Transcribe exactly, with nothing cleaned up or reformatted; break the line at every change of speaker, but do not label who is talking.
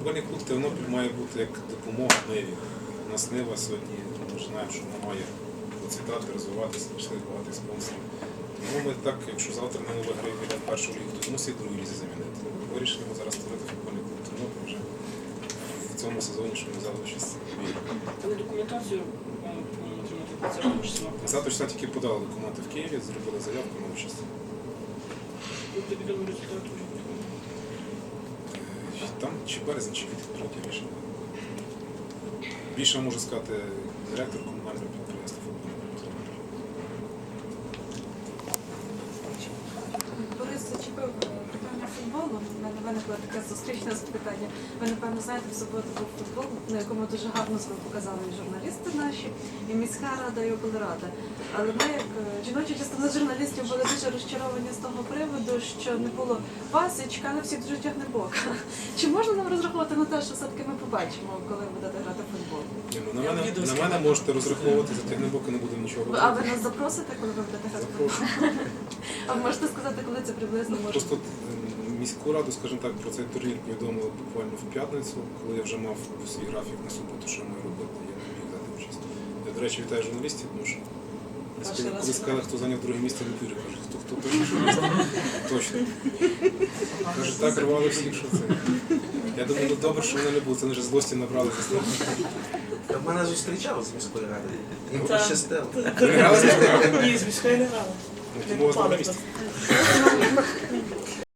Футбольний клуб Тернопіль має бути як допомога Ниві. У нас Нива сьогодні, ми ж знаємо, що вона має процвітати, розвиватися, пішли багато спонсорів. Тому ми так, якщо завтра не виграє біля першого лігу, то мусить другу лізі замінити. Вирішили ми зараз створити футбольний клуб Тернопіль вже в цьому сезоні, що ми взяли участь.
Але документацію повинні отримати двадцятого числа.
двадцятого числа тільки подали документи в Києві, зробили заявку на участь.
Буде відомо результат уже.
Там чи березень, чи квітень прийняття рішення. Більше можу сказати директор комунального підприємства футбольного.
Борис зачепив питання футболу. У мене виникло таке зустрічне запитання. Ви, напевно, знаєте, в суботу був футбол, на якому дуже гарно себе показали і журналісти наші, і міська рада, і облрада. Але ми, як жіноча частина журналістів, були дуже розчаровані з того приводу, що не було вас і чекали всіх дуже тягнебока. Чи можна нам розраховувати на те, що все-таки ми побачимо, коли будете грати в футбол?
Ні, ну, на, мене, на мене можете розраховувати, за тягнебоки не будемо нічого робити.
А ви нас запросите, коли ви будете грати в футбол? А ви можете сказати, коли це приблизно може
Просто
бути?
міську раду, скажімо так, про цей турнір повідомили буквально в п'ятницю, коли я вже мав свій графік на суботу, що я маю робити, я не міг дати участь. Я, до речі, вітаю журналістів, тому що коли, коли сказали, хто зайняв друге місце, не вірю, кажуть, хто, хто перший журналіст? Точно. Кажуть, так рвали всіх, що це. Я думаю, ну добре, що вони не були, це не вже злості набрали.
Та в мене зустрічали з міської ради. Їм
Так.
пощастило.
Ви грали з міською радою?
Ні, з міської не грали.
Ну, тому у вас на місці.